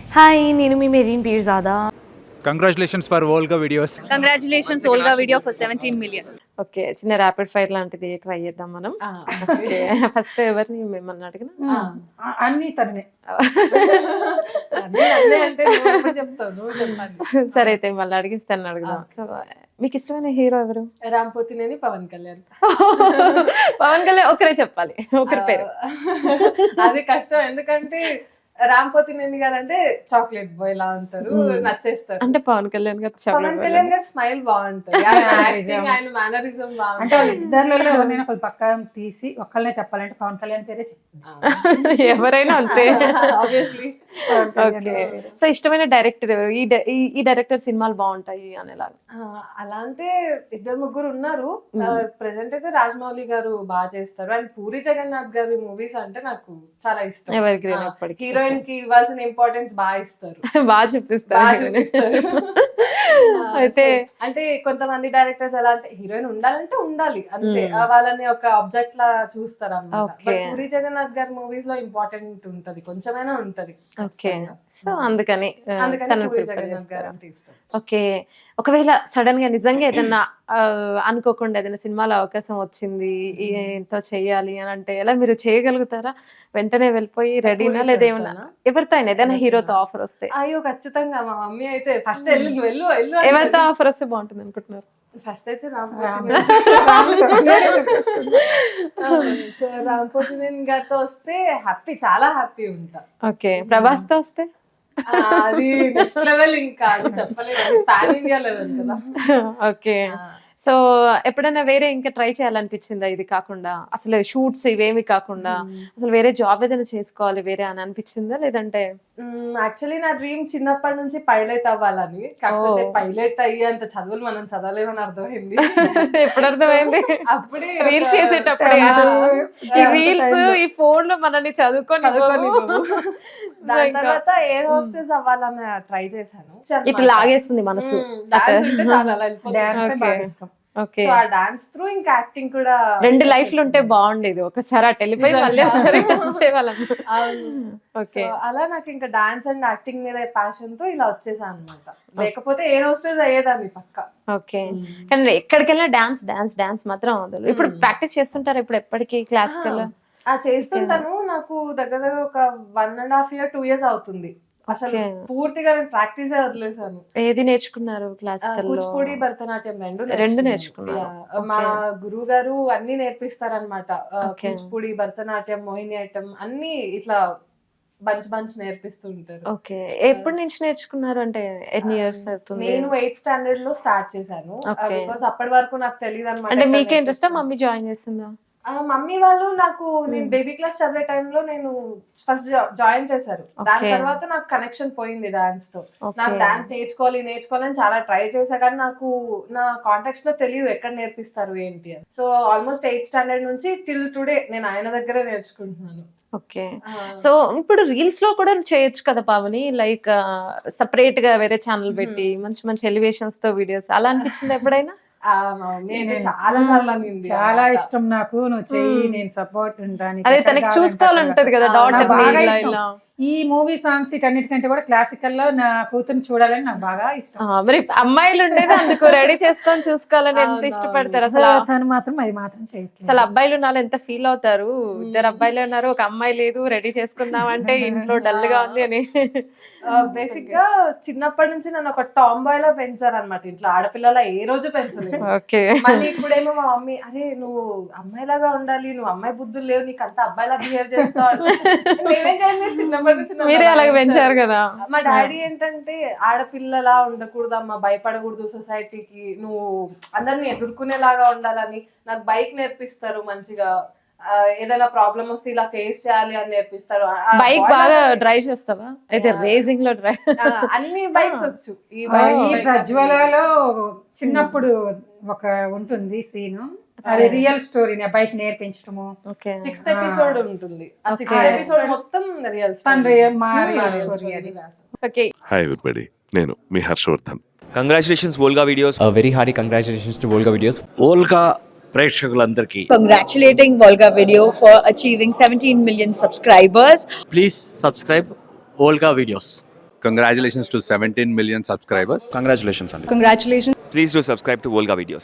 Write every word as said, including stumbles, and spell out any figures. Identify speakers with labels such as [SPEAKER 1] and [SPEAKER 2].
[SPEAKER 1] Hi, నేను మీ Mehreen Pirzada.
[SPEAKER 2] Congratulations for Volga videos.
[SPEAKER 3] Congratulations Volga video for seventeen million.
[SPEAKER 4] Okay, చిన్న rapid fire లాంటిది try చేద్దాం మనం. ఓకే, ఫస్ట్ ఎవరిని మిమ్మల్ని అడిగిన
[SPEAKER 5] అన్ని తనే
[SPEAKER 4] సరే అయితే మళ్ళీ అడిగిస్తాను అడుగుదాం. సో మీకు ఇష్టమైన హీరో ఎవరు?
[SPEAKER 6] రాంపోతినేని పవన్ కళ్యాణ్.
[SPEAKER 4] పవన్ కళ్యాణ్ ఒకరే చెప్పాలి, ఒకరి పేరు.
[SPEAKER 6] అది కష్టం, ఎందుకంటే రాంపోతినేని గారు అంటే చాక్లెట్ బాయ్ లా ఉంటారు, నచ్చేస్తారు.
[SPEAKER 4] అంటే పవన్ కళ్యాణ్ గారు
[SPEAKER 6] పవన్ కళ్యాణ్ గారు స్మైల్ బాగుంటుంది, ఆయన మేనరిజం
[SPEAKER 5] అంటే
[SPEAKER 6] బాగుంటుంది.
[SPEAKER 5] వాళ్ళు ఇద్దరిలో ఎవరైనా ఒకళ్ళు పక్క తీసి ఒక్కళ్ళనే చెప్పాలంటే పవన్ కళ్యాణ్ పేరే చెప్తాను.
[SPEAKER 4] ఎవరైనా అంతే.
[SPEAKER 6] ఆబ్వియస్లీ.
[SPEAKER 4] ఓకే, సో ఇష్టమైన డైరెక్టర్ ఎవరు? ఈ డై- ఈ- ఈ డైరెక్టర్ సినిమాలు బాగుంటాయి అనేలాగా.
[SPEAKER 6] అలా అంటే ఇద్దరు ముగ్గురు ఉన్నారు. ప్రెసెంట్ అయితే రాజమౌళి గారు బాగా చేస్తారు, అండ్ పూరి జగన్నాథ్ గారి మూవీస్ అంటే నాకు చాలా ఇష్టం.
[SPEAKER 4] ఎవరి గ్రీన్ ఎప్పటికీ
[SPEAKER 6] హీరోయిన్ కి ఇవ్వాల్సిన ఇంపార్టెన్స్ బాగా ఇస్తారు,
[SPEAKER 4] బాగా చూపిస్తారు.
[SPEAKER 6] బాగా చూపిస్తారు.
[SPEAKER 4] అయితే
[SPEAKER 6] So, అంటే కొంతమంది డైరెక్టర్స్ ఎలా అంటే హీరోయిన్ ఉండాలంటే ఉండాలి అంతే, ఆ వాళ్ళని ఒక ఆబ్జెక్ట్ లా చూస్తారు అన్నమాట.
[SPEAKER 4] Okay.
[SPEAKER 6] But పూరి జగన్నాథ్ గారి మూవీస్ లో ఇంపార్టెంట్ ఉంటది, కొంచెమైనా ఉంటది.
[SPEAKER 4] ఓకే, సో అందుకని ఆ,
[SPEAKER 6] అందుకని
[SPEAKER 4] తనని
[SPEAKER 6] పూరి
[SPEAKER 4] ప్రిఫర్
[SPEAKER 6] జగన్నాథ్ గారు
[SPEAKER 4] చేస్తారు.
[SPEAKER 6] అంటే ఇష్టం.
[SPEAKER 4] ఓకే, ఒకవేళ సడన్ గా నిజంగా ఏదన్నా ఆ, అనుకోకుండా ఏదైనా సినిమాలో అవకాశం వచ్చింది, ఈ- ఎంతో చెయ్యాలి అని అంటే ఎలా మీరు చేయగలుగుతారా? వెంటనే వెళ్ళిపోయి రెడీనా లేదా ఏమన్నా ఎవరితో అయినా ఏదైనా హీరోతో ఆఫర్ వస్తే?
[SPEAKER 6] అయ్యో ఖచ్చితంగా మా మమ్మీ అయితే ఫస్ట్ వెళ్ళు నువ్వు వెళ్ళు వెళ్ళు
[SPEAKER 4] ఎవరితో ఆఫర్ వస్తే బాగుంటుంది అనుకుంటున్నారు?
[SPEAKER 6] ఫస్ట్ అయితే రాంపోతినేని సో రాంపోతినేని గారితో వస్తే హ్యాపీ, చాలా హ్యాపీ ఉంటా.
[SPEAKER 4] ఓకే, ప్రభాస్ తో వస్తే?
[SPEAKER 6] ఆ, అది నెక్స్ట్ లెవెల్, ఇంకా అది చెప్పలేదు, పాన్ ఇండియా లెవెల్ కదా.
[SPEAKER 4] ఓకే, సో ఎప్పుడైనా వేరే ఇంకా ట్రై చేయాలనిపించిందా ఇది కాకుండా? అసలు షూట్స్ ఇవేమి కాకుండా అసలు వేరే జాబ్ ఏదైనా చేసుకోవాలి వేరే అని అనిపించిందా లేదంటే?
[SPEAKER 6] యాక్చువల్లీ నా డ్రీమ్ చిన్నప్పటి నుంచి పైలట్ అవ్వాలని, కాకపోతే పైలట్ అయ్యేంత చదువులు మనం చదవలేమని అర్థమైంది.
[SPEAKER 4] ఎప్పుడు అర్థమైంది?
[SPEAKER 6] అప్పుడే
[SPEAKER 4] రీల్స్ చేసేటప్పుడే ఈ రీల్స్ ఈ ఫోన్ లో మనల్ని చదువుకొని
[SPEAKER 6] దాని తర్వాత ఎయిర్ హోస్టెస్ అవ్వాలని ట్రై చేశాను.
[SPEAKER 4] ఇట్లా లాగేస్తుంది మనసు.
[SPEAKER 6] Dance అంటే చాలా అలా వెళ్ళిపోతుంది.
[SPEAKER 5] Dance
[SPEAKER 4] Okay.
[SPEAKER 5] బాగా ఇష్టం.
[SPEAKER 4] ఓకే,
[SPEAKER 6] So, ఆ డాన్స్ త్రూ ఇంకా యాక్టింగ్ కూడా
[SPEAKER 4] రెండు లైఫ్లు ఉంటే బాగుండేది, ఒకసారి అటు వెళ్ళిపోయి మళ్ళీ ఒకసారి వచ్చేవాళ్ళం.
[SPEAKER 6] అవును.
[SPEAKER 4] ఓకే,
[SPEAKER 6] So, అలా నాకు ఇంకా డాన్స్ అండ్ యాక్టింగ్ మీద ప్యాషన్ తో ఇలా వచ్చేసాను అనమాట. లేకపోతే ఎయిర్ హోస్టెస్ అయ్యేదాన్ని పక్క.
[SPEAKER 4] ఓకే, కానీ ఎక్కడికి వెళ్ళినా డాన్స్ డాన్స్ డాన్స్ మాత్రం వదలు. ఇప్పుడు ప్రాక్టీస్ చేస్తుంటారు ఇప్పుడు ఎప్పటికీ క్లాసికల్?
[SPEAKER 6] ఆ చేస్తుంటాను, నాకు దగ్గర దగ్గర ఒక one and half year two years అవుతుంది. అసలు
[SPEAKER 4] Okay.
[SPEAKER 6] పూర్తిగా నేను ప్రాక్టీస్ వదిలేసాను.
[SPEAKER 4] ఏది నేర్చుకున్నారు క్లాసికల్ లో?
[SPEAKER 6] కూచిపూడి భరతనాట్యం రెండు
[SPEAKER 4] రెండు
[SPEAKER 6] నేర్చుకున్నాను.
[SPEAKER 4] నేర్చుకున్నారు.
[SPEAKER 6] Yeah. మా గురువు గారు అన్ని నేర్పిస్తారనమాట.
[SPEAKER 4] Okay.
[SPEAKER 6] కూచిపూడి, భరతనాట్యం, మోహినియాట్టం అన్ని ఇట్లా బంచ్ బంచ్ నేర్పిస్తుంటారు.
[SPEAKER 4] ఓకే, ఎప్పటి నుంచి నేర్చుకున్నారు అంటే ఎన్ని ఇయర్స్ అవుతుంది?
[SPEAKER 6] నేను ఎయిత్ స్టాండర్డ్ లో స్టార్ట్ చేశాను.
[SPEAKER 4] Okay.
[SPEAKER 6] బికాస్ అప్పటి వరకు నాకు తెలియదు అనమాట.
[SPEAKER 4] అంటే మీకే ఇంట్రెస్ట్? మమ్మీ జాయిన్ చేసిందా?
[SPEAKER 6] మమ్మీ వాళ్ళు నాకు నేను బేబీ క్లాస్ చదివే టైంలో నేను ఫస్ట్ జాయిన్ చేశారు. దాని
[SPEAKER 4] Okay.
[SPEAKER 6] తర్వాత నాకు కనెక్షన్ పోయింది డాన్స్ తో.
[SPEAKER 4] Okay.
[SPEAKER 6] నాకు డాన్స్ నేర్చుకోవాలి నేర్చుకోవాలని చాలా ట్రై చేశా, కానీ నాకు నా కాంటాక్ట్స్ లో తెలియదు ఎక్కడ నేర్పిస్తారు ఏంటి అని. సో ఆల్మోస్ట్ ఎయిత్ స్టాండర్డ్ నుంచి టిల్ టుడే నేను ఆయన దగ్గర నేర్చుకుంటున్నాను.
[SPEAKER 4] ఓకే, సో ఇప్పుడు రీల్స్ లో కూడా చేయొచ్చు కదా పావని, లైక్ సపరేట్ గా వేరే ఛానల్ పెట్టి మంచి మంచి ఎలివేషన్స్ తో వీడియోస్, అలా అనిపించింది ఎప్పుడైనా?
[SPEAKER 6] ఆ, మా మమ్మీ అయితే చాలా సార్లు అనింది.
[SPEAKER 5] చాలా ఇష్టం నాకు, నువ్వు చెయ్యి, నేను సపోర్ట్ ఉంటాను.
[SPEAKER 4] అదే తనకి చూసుకోవాలంటది కదా డాటర్
[SPEAKER 5] బాగా
[SPEAKER 4] ఇలా
[SPEAKER 5] ఇష్టం.
[SPEAKER 4] ఇలా.
[SPEAKER 5] ఈ మూవీ సాంగ్స్ ఇటన్నిటికంటే కూడా క్లాసికల్ లో నా కూతురు చూడాలని నాకు బాగా ఇష్టం.
[SPEAKER 4] ఆ, మరి అమ్మాయిలు ఉండేది అందుకు రెడీ చేసుకొని చూసుకోవాలని ఎంత ఇష్టపడతారు అసలు.
[SPEAKER 5] తను మాత్రం అది మాత్రం చేయట్లేదు.
[SPEAKER 4] అసలు అబ్బాయిలు నాలో ఎంత ఫీల్ అవుతారు, ఇద్దరు అబ్బాయిలు ఉన్నారు ఒక అమ్మాయి లేదు, రెడీ చేసుకుందాం అంటే ఇంట్లో డల్ గా ఉంది అని.
[SPEAKER 6] బేసిక్ గా చిన్నప్పటి నుంచి నన్ను ఒక టామ్ బాయ్ లా పెంచారు అనమాట. ఇంట్లో ఆడపిల్లల ఏ రోజు పెంచలేదు.
[SPEAKER 4] ఓకే,
[SPEAKER 6] మళ్ళీ ఇప్పుడేమో మా మమ్మీ అరే నువ్వు అమ్మాయిలాగా ఉండాలి, నువ్వు అమ్మాయి బుద్ధులు లేవు, నీకు అంత అబ్బాయిలా బిహేవ్ చేస్తావు. నేనేం చేయలేదు, చిన్నప్పటి నుంచి నన్ను
[SPEAKER 4] మీరే
[SPEAKER 6] అలా
[SPEAKER 4] అలాగే పెంచారు కదా.
[SPEAKER 6] మా డాడీ ఏంటంటే ఆడపిల్లలా ఉండకూడదు అమ్మా, భయపడకూడదు సొసైటీకి, నువ్వు అందరిని ఎదుర్కొనేలాగా ఉండాలని నాకు బైక్ నేర్పిస్తారు మంచిగా. ఆ, ఏదైనా ప్రాబ్లం వస్తే ఇలా ఫేస్ చేయాలి అని నేర్పిస్తారు. ఆ,
[SPEAKER 4] బైక్
[SPEAKER 6] boy
[SPEAKER 4] బాగా
[SPEAKER 6] లాగా-
[SPEAKER 4] డ్రైవ్ చేస్తావా? అయితే రేసింగ్ లో డ్రైవ్
[SPEAKER 6] ఆ, అన్ని బైక్స్ వచ్చు. ఈ
[SPEAKER 5] ఈ
[SPEAKER 6] బైక్
[SPEAKER 5] ప్రజ్వలలో చిన్నప్పుడు ఒక ఉంటుంది సీను, అది రియల్ స్టోరీ. బైక్ నేర్పించడము,
[SPEAKER 4] ఓకే,
[SPEAKER 6] సిక్స్త్ ఎపిసోడ్ ఉంటుంది. ఆ సిక్స్త్
[SPEAKER 4] Okay.
[SPEAKER 6] ఎపిసోడ్ మొత్తం రియల్
[SPEAKER 5] తన రియల్ మా రియల్ స్టోరీ అది.
[SPEAKER 4] ఓకే.
[SPEAKER 7] హాయ్ ఎవ్రీబడి, నేను మీ Harshavardhan.
[SPEAKER 8] Congratulations Volga videos.
[SPEAKER 9] Very hearty congratulations to Volga videos.
[SPEAKER 10] Volga ప్రేక్షకులందరికీ
[SPEAKER 3] Congratulating Volga Video for achieving seventeen million subscribers.
[SPEAKER 10] Please subscribe Volga videos.
[SPEAKER 2] Congratulations to seventeen million subscribers.
[SPEAKER 9] Congratulations అండి.
[SPEAKER 3] congratulations.
[SPEAKER 8] Please do subscribe to Volga Videos.